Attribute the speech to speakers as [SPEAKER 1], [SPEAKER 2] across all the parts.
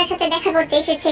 [SPEAKER 1] আপনার সাথে দেখা করতে এসেছে।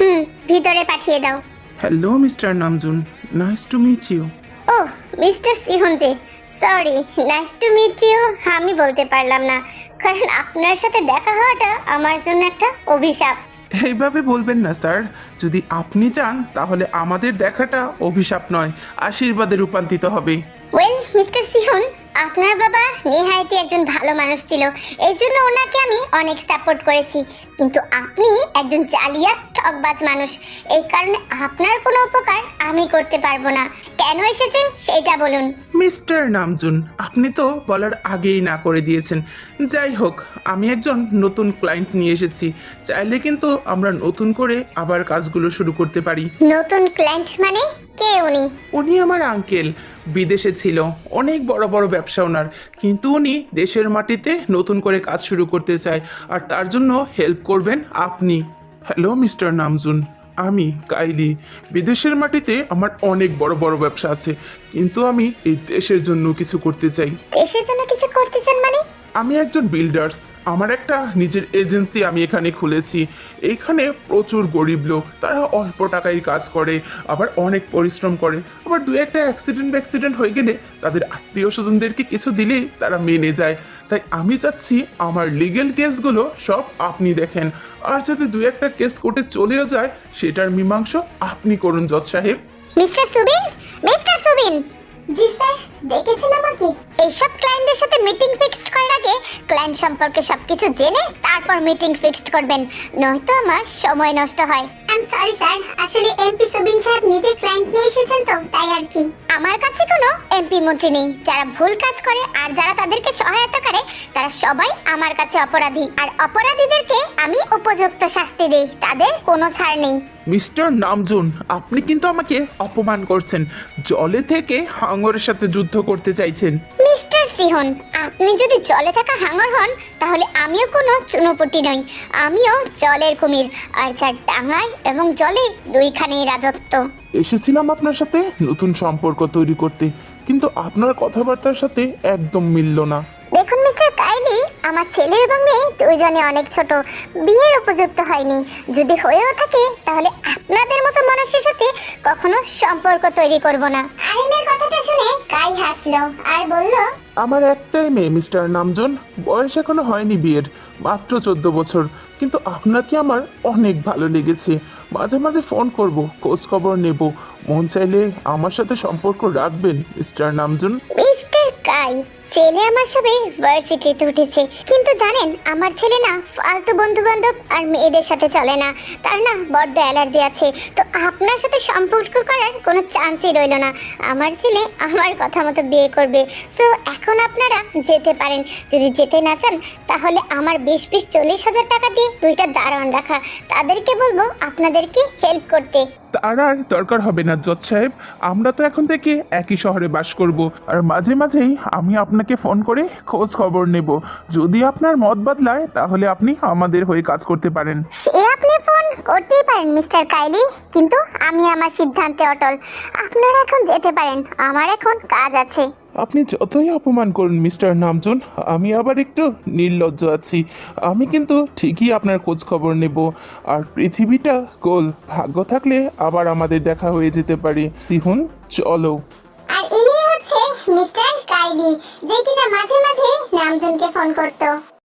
[SPEAKER 1] ভিতরে পাঠিয়ে দাও।
[SPEAKER 2] Hello mister Namjoon, nice to meet you.
[SPEAKER 1] ও mister Sehun ji, sorry, nice to meet you আমি বলতে পারলাম না, কারণ আপনার সাথে দেখা হওয়াটা আমার জন্য একটা অভিশাপ।
[SPEAKER 2] এইভাবে বলবেন না স্যার, যদি আপনি চান তাহলে আমাদের দেখাটা অভিশাপ নয়, আশীর্বাদে রূপান্তরিত হবে।
[SPEAKER 1] ওয়েল মিস্টার সিহন, আপনার বাবা নেহায়েতই একজন ভালো মানুষ ছিল, এই জন্য ওনাকে আমি অনেক সাপোর্ট করেছি, কিন্তু আপনি একজন জালিয়াত ঠকবাজ মানুষ, এই কারণে আপনার কোনো উপকার আমি করতে পারবো না। কেন এসেছেন সেটা বলুন।
[SPEAKER 2] মিস্টার নামজুন, আপনি তো বলার আগেই না করে দিয়েছেন। যাই হোক, আমি একজন নতুন ক্লায়েন্ট নিয়ে এসেছি, চাইলে কিন্তু আমরা নতুন করে আবার কাজগুলো শুরু করতে পারি।
[SPEAKER 1] নতুন ক্লায়েন্ট মানে? কে উনি?
[SPEAKER 2] উনি আমার আঙ্কেল, বিদেশে ছিল, অনেক বড় বড় ব্যবসা ওনার, কিন্তু উনি দেশের মাটিতে নতুন করে কাজ শুরু করতে চায়, আর তার জন্য হেল্প করবেন আপনি। হ্যালো মিস্টার নামজুন, আমি কাইলি। বিদেশের মাটিতে আমার অনেক বড় বড় ব্যবসা আছে, কিন্তু আমি এই দেশের জন্য কিছু করতে চাই।
[SPEAKER 1] দেশের জন্য কিছু করতেছেন মানে?
[SPEAKER 2] আমি একজন বিল্ডার্স, আমার একটা নিজের এজেন্সি আমি এখানে খুলেছি। এইখানে প্রচুর গরিব লোক, তারা অল্প টাকায় কাজ করে, আবার অনেক পরিশ্রম করে, আবার দু একটা অ্যাক্সিডেন্ট হয়ে গেলে তাদের আত্মীয় স্বজনদেরকে কিছু দিলেই তারা মেনে যায়। তাই আমি চাচ্ছি আমার লিগেল কেসগুলো সব আপনি দেখেন, আর যদি দু একটা কেস কোর্টে চলেও যায় সেটার মীমাংসা আপনি করুন জজ সাহেব।
[SPEAKER 1] Mister Subin, mister Subin. জি স্যার, ডেকেছেন আমাকে? এইসব ক্লায়েন্টদের সাথে মিটিং ফিক্সড করার আগে ক্লায়েন্ট সম্পর্কে সবকিছু জেনে তারপর মিটিং ফিক্সড করবেন, নয়তো আমার সময় নষ্ট হয়। আই এম সরি স্যার, আসলে এমপি সুবিন সাহেব নিজে ক্লায়েন্ট নিয়ে এসেছেন তো তাই আর কি। আমার কাছে কোনো এমপি মন্ত্রী নেই, যারা ভুল কাজ করে আর যারা তাদেরকে সহায়তা করে তারা সবাই আমার কাছে অপরাধী, আর অপরাধীদেরকে আমি উপযুক্ত শাস্তি দেই, তাদের কোনো ছাড় নেই।
[SPEAKER 2] মিস্টার নামজুন, আপনি কিন্তু আমাকে অপমান করছেন, জলে থেকে হাঙরের সাথে যুদ্ধ করতে চাইছেন।
[SPEAKER 1] মিস্টার সিহন, আপনি যদি জলে থাকা হাঙর হন তাহলে আমিও কোনো চুনোপুটি নই, আমিও জলের কুমির, আর যার ডাঙায় এবং জলে দুইখানেই রাজত্ব।
[SPEAKER 2] এসেছিলাম আপনার সাথে নতুন সম্পর্ক তৈরি করতে, কিন্তু আপনার কথাবার্তার সাথে একদম মিলল না।
[SPEAKER 1] দেখুন মিস্টার কাইলি, আমার ছেলে এবং মেয়ে দুইজনে অনেক ছোট, বিয়ের উপযুক্ত হয়নি, যদি হয়েও থাকে তাহলে আপনাদের মতো মানুষের সাথে কখনো সম্পর্ক তৈরি করব না। আরিনের কথাটা শুনে কাই হাসলো আর বলল,
[SPEAKER 2] আমার একটাই মেয়ে মিস্টার নামজুন, বয়স এখনো হয়নি বিয়ের, মাত্র 14 বছর, কিন্তু আপনাকে আমার অনেক ভালো লেগেছে। মাঝে মাঝে ফোন করব, খোঁজ খবর নেব, মন চাইলে আমার সাথে সম্পর্ক রাখবেন মিস্টার নামজুন।
[SPEAKER 1] মিস্টার কাই, ছেলে আমার সবে ভার্সিটিতে উঠেছে, কিন্তু জানেন আমার ছেলে না ফালতু বন্ধু বান্ধব আর মেয়েদের সাথে চলে না, তার না বড্ড অ্যালার্জি আছে, তো আপনার সাথে সম্পর্ক করার কোনো চান্সই রইল না। আমার ছেলে আমার কথা মতো বিয়ে করবে, সো এখন আপনারা যেতে পারেন। যদি যেতে না চান তাহলে আমার 20-40 হাজার টাকা দিয়ে দুইটা দারোয়ান রাখা, তাদেরকে বলবো আপনাদেরকে হেল্প করতে।
[SPEAKER 2] তার আর দরকার হবে না জজ সাহেব, আমরা তো এখন থেকে একই শহরে বাস করব, আর মাঝে মাঝেই আমি আপনাকে ফোন করে খোঁজ খবর নেব। যদি আপনার মত বদলায় তাহলে আপনি আমাদের হয়ে কাজ করতে পারেন।
[SPEAKER 1] সে আপনি ফোন করতেই পারেন মিস্টার কাইলি, কিন্তু আমি আমার সিদ্ধান্তে অটল। আপনারা এখন যেতে পারেন, আমার এখন কাজ আছে।
[SPEAKER 2] আপনি যতই অপমান করুন মিস্টার নামজুন, আমি আবার একটু নির্লজ্জ আছি, আমি কিন্তু ঠিকই আপনার খোঁজ খবর নেব। আর পৃথিবীটা গোল, ভাগ্য থাকলে আবার আমাদের দেখা হয়ে যেতে পারে। সিহুন, চলো।
[SPEAKER 1] আর ইনি হচ্ছে মিস্টার কাইলি, যে কিনা মাঝে মাঝে নামজনকে ফোন করতো।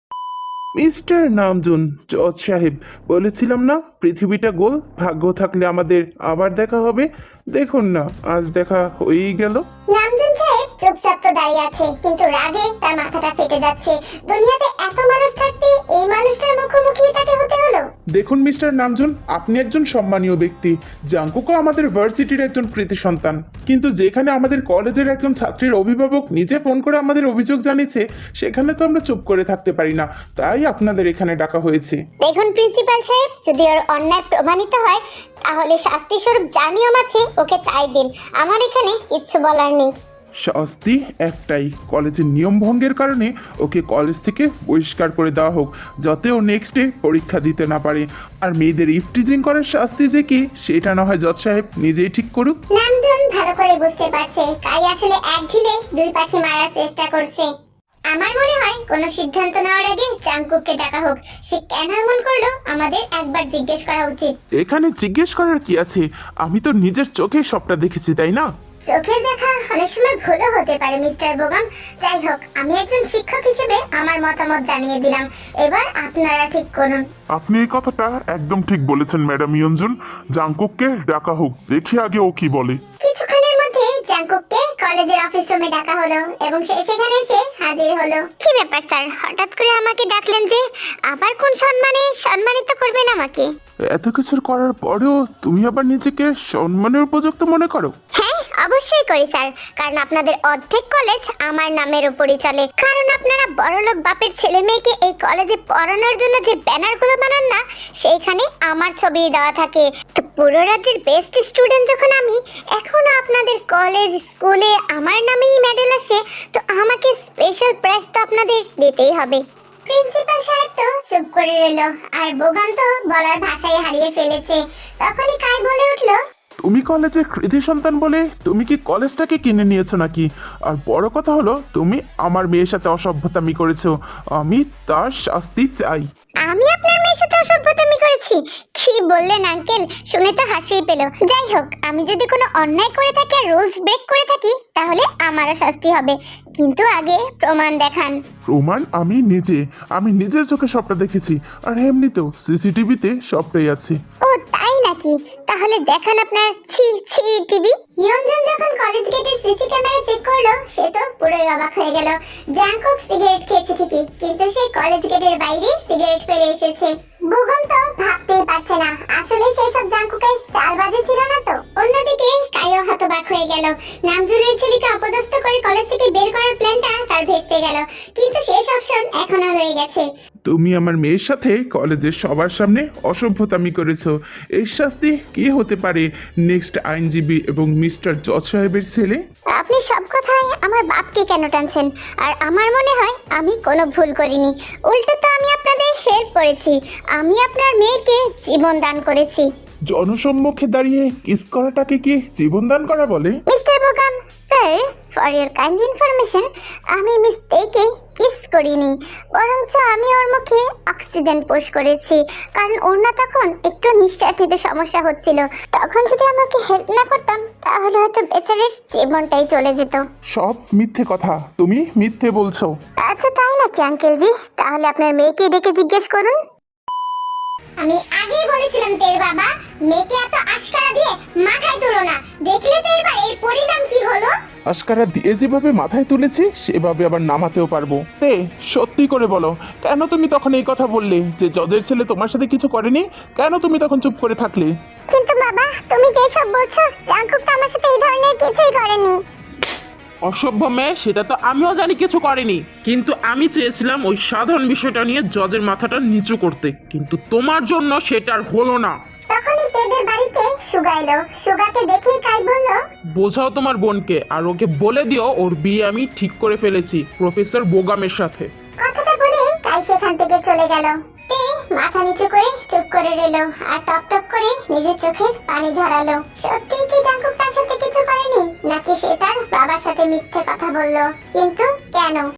[SPEAKER 2] মিস্টার নামজুন, জজ সাহেব, বলেছিলাম না পৃথিবীটা গোল, ভাগ্য থাকলে আমাদের আবার দেখা হবে। দেখুন না, আজ দেখা হয়েই গেল।
[SPEAKER 1] নামজুন সাহেব চুপচাপ তো দাঁড়িয়ে আছে, কিন্তু রাগে তার মাথাটা ফেটে যাচ্ছে। দুনিয়াতে এত মানুষ থাকতে এই মানুষটার মুখোমুখি তাকে হতে হলো।
[SPEAKER 2] দেখুন মিস্টার নামজুন, আপনি একজন সম্মানীয় ব্যক্তি, জাঙ্কুকও আমাদের ভার্সিটির একজন কৃতি সন্তান, কিন্তু যেখানে আমাদের কলেজের একজন ছাত্রীর অভিভাবক নিজে ফোন করে আমাদের অভিযোগ জানিয়েছে, সেখানে তো আমরা চুপ করে থাকতে পারি না, তাই আপনাদের এখানে ডাকা হয়েছে।
[SPEAKER 1] দেখুন প্রিন্সিপাল সাহেব, যদি ওর অন্যায় প্রমাণিত হয় তাহলে শাস্তি স্বরূপ যা নিয়ম আছে ওকে তাই দিন, আমার এখানে কিচ্ছু বলার নেই।
[SPEAKER 2] শাস্তি একটাই, কলেজের নিয়ম ভঙ্গের কারণে ওকে কলেজ থেকে বহিষ্কার করে দেওয়া হোক, যাতে ও নেক্সট ডে পরীক্ষা দিতে না পারে। আর মেয়েদের ইফটিজিং করার শাস্তি যে কি সেটা না হয় জজ সাহেব নিজেই ঠিক করুক।
[SPEAKER 1] নামজন ভালো করে বুঝতে পারছে কাই আসলে এক ঢিলে দুই পাখি মারার চেষ্টা করছে। আমার মনে হয় কোনো সিদ্ধান্ত নেওয়ার আগে জাংকুককে ডাকা হোক। সে কেন এমন করলো আমাদের একবার জিজ্ঞেস করা উচিত।
[SPEAKER 2] এখানে জিজ্ঞেস করার কি আছে? আমি তো নিজের চোখে সবটা দেখেছি, তাই না?
[SPEAKER 1] চোখের দেখা অনেক সময় ভুলও হতে পারে মিস্টার বোগাম। যাই হোক, আমি একজন শিক্ষক হিসেবে আমার মতামত জানিয়ে দিলাম। এবার আপনারা ঠিক করুন।
[SPEAKER 3] আপনি এই কথাটা একদম ঠিক বলেছেন ম্যাডাম ইয়ঞ্জন। জাংকুককে ডাকা হোক, দেখি আগে ও কি বলে।
[SPEAKER 1] কিছুক্ষণের মধ্যে জাংকুককে কলেজের অফিস রুমে ডাকা হলো এবং সে সেখানে এসে হাজির হলো। কি ব্যাপার স্যার, হঠাৎ করে আমাকে ডাকলেন যে? আবার কোন সম্মানে সম্মানিত করবেন আমাকে?
[SPEAKER 2] এত কিছুর করার পরেও তুমি আবার নিজেকে সম্মানের উপযুক্ত মনে করো?
[SPEAKER 1] হ্যাঁ, অবশ্যই করি স্যার, কারণ আপনাদের অর্ধেক কলেজ আমার নামের উপরই চলে। কারণ আপনারা বড়লোক বাপের ছেলে মেয়েকে এই কলেজে পড়ানোর জন্য যে ব্যানারগুলো বানান না, সেইখানে আমার ছবি দেওয়া থাকে। তো পুরো রাজ্যের বেস্ট স্টুডেন্ট যখন আমি, এখনো আপনাদের কলেজ স্কুলে আমার নামেই মেডেল আসে, তো আমাকে স্পেশাল প্রাইজ তো আপনাদের দিতেই হবে। প্রিন্সিপাল সাহেব তো চুপ করে রইল, আর বোগাম তো বলার ভাষাই হারিয়ে ফেলেছে। তখনই কাই বলে উঠলো,
[SPEAKER 2] তুমি কলেজের কৃতি সন্তান বলে তুমি কি কলেজটাকে কিনে নিয়েছো নাকি? আর বড় কথা হলো, তুমি আমার মেয়ের সাথে অসভ্যতামি করেছো। আমি তার শাস্তি চাই।
[SPEAKER 1] আমি আপনার মেয়ের সাথে অসভ্যতামি করেছি? কি বললেন আঙ্কেল, শুনে তো হাসিই পেল। যাই হোক, আমি যদি কোনো অন্যায় করে থাকি আর রুলস ব্রেক করে থাকি, তাহলে আমারও শাস্তি হবে, কিন্তু আগে প্রমাণ দেখান।
[SPEAKER 2] প্রমাণ আমি নিজের চোখে সবটা দেখেছি, আর এমনিতেও সিসিটিভিতে সবটাই আছে।
[SPEAKER 1] ও তাই নাকি? তাহলে দেখান আপনার টিভি। ইয়ঞ্জন যখন কলেজ গেটের সিসি ক্যামেরা চেক করলো, সে তো পুরোই অবাক হয়ে গেল। জাংকুক সিগারেট খেয়েছে ঠিকই, কিন্তু সেই কলেজ গেটের বাইরে সিগারেট ফেলে এসেছে। বুগম তো ভাবতেই পারছে না, আসলে সেই সব জাংকুকের চালবাজি ছিল না তো। অন্যদিকে কাইও হতবাক হয়ে গেল। নামজুলের ছেলেকে অপদস্থ করে কলেজ থেকে বের করার প্ল্যানটা তার ভেস্তে গেল, কিন্তু শেষ অপশন এখনো রয়ে গেছে।
[SPEAKER 2] তুমি আমার মেয়ের সাথে কলেজের সবার সামনে অসভ্যতামি করেছো। এর শাস্তি কি হতে পারে? নেক্সট আইনজীবী এবং মিস্টার জজ সাহেবের ছেলে।
[SPEAKER 1] আপনি সব কথায় আমার বাপকে কেন টানছেন? আর আমার মনে হয় আমি কোনো ভুল করিনি, উল্টো তো আমি আপনাদের হেল্প করেছি। আমি আপনার মেয়েকে জীবন দান করেছি।
[SPEAKER 2] জনসম্মুখে দাঁড়িয়ে কিস করাটাকে কি জীবনদান করা বলে?
[SPEAKER 1] Mister Bogum sir, for your kind information, আমি মিস্টেকে কিস করিনি, বরঞ্চ আমি ওর মুখে অক্সিজেন পুশ করেছি, কারণ ওর না তখন একটু নিঃশ্বাস নিতে সমস্যা হচ্ছিল। তখন যদি আমাকে হেল্প না করতাম, তাহলে হয়তো বেচারের জীবনটাই চলে যেত।
[SPEAKER 2] সব মিথ্যে কথা, তুমি মিথ্যে বলছো।
[SPEAKER 1] আচ্ছা তাই নাকি আঙ্কেলজি? তাহলে আপনার মেয়েকে ডেকে জিজ্ঞেস করুন। আমি আগেই বলেছিলাম তের বাবা, মেয়েকে এত আশকারা দিয়ে মাথায় তুলো না। দেখলে তো এবার এর পরিণাম কি হলো।
[SPEAKER 2] আশকারা দিয়ে যেভাবে মাথায় তুলেছি, সেভাবে আবার নামাতেও পারবো। তে সত্যি করে বলো, কেন তুমি তখন এই কথা বললে যে জজের ছেলে তোমার সাথে কিছু করেনি? কেন তুমি তখন চুপ করে থাকলে?
[SPEAKER 1] কিন্তু বাবা, তুমি যেসব বলছো, জাংকুক তো আমার সাথে এই ধরনের কিছুই করেনি।
[SPEAKER 4] অসভ্য মেয়ে, সেটা তো আমিও জানি কিছু করেনি, কিন্তু আমি চেয়েছিলাম ওই সাধারণ বিষয়টা নিয়ে জজের মাথাটা নিচু করতে, কিন্তু তোমার জন্য সেটা আর হলো না।
[SPEAKER 1] তখনই তেদের বাড়িতে সুগা এলো। সুগাকে দেখেই কাই বলল,
[SPEAKER 4] বোঝাও তোমার বোনকে, আর ওকে বলে দিও ওর বিয়ে আমি ঠিক করে ফেলেছি প্রফেসর বোগামের সাথে।
[SPEAKER 1] কথাটা বলে কাই সেখান থেকে চলে গেল। তে মাথা নিচু করে চুপ করে রইল, আর টপ টপ করে নিজের চোখের পানি ঝরালো। সত্যি কি জাংকুক তার সাথে কিছু করেনি, নাকি সে তার বাবার সাথে মিথ্যে কথা বলল? কিন্তু কেন?